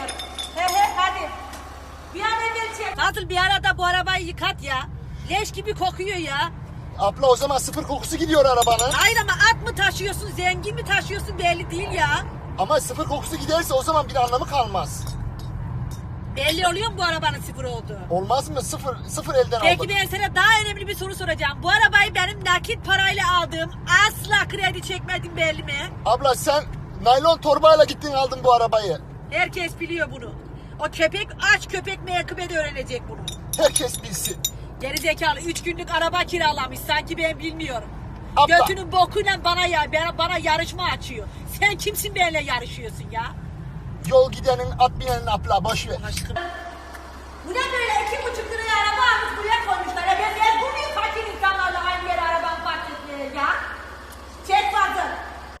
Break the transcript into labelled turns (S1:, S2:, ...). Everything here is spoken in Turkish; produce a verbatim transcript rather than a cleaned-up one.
S1: geliyorum. He he hadi. Bir an evvel çek. Nasıl bir arada bu arabayı yıkat ya. Leş gibi kokuyor ya.
S2: Abla o zaman sıfır kokusu gidiyor arabanın.
S1: Hayır ama at mı taşıyorsun, zengin mi taşıyorsun belli değil ya.
S2: Ama sıfır kokusu giderse o zaman bir anlamı kalmaz.
S1: Belli oluyor mu bu arabanın sıfır olduğu?
S2: Olmaz mı? Sıfır, sıfır elden
S1: Peki
S2: aldık.
S1: ben sana daha önemli bir soru soracağım. Bu arabayı benim nakit parayla aldığım, asla kredi çekmedim belli mi?
S2: Abla sen naylon torbayla gittin aldın bu arabayı.
S1: Herkes biliyor bunu. O köpek, aç köpek meyakıbe de öğrenecek bunu.
S2: Herkes bilsin.
S1: Gerizekalı üç günlük araba kiralamış sanki ben bilmiyorum.
S2: Abla.
S1: Götünün bokuyla bana ya bana, bana yarışma açıyor. Sen kimsin benimle yarışıyorsun ya?
S2: Yol gidenin at binenin abla boş ver.
S1: Aşkım. Bu ne böyle iki buçuk liraya araba almış buraya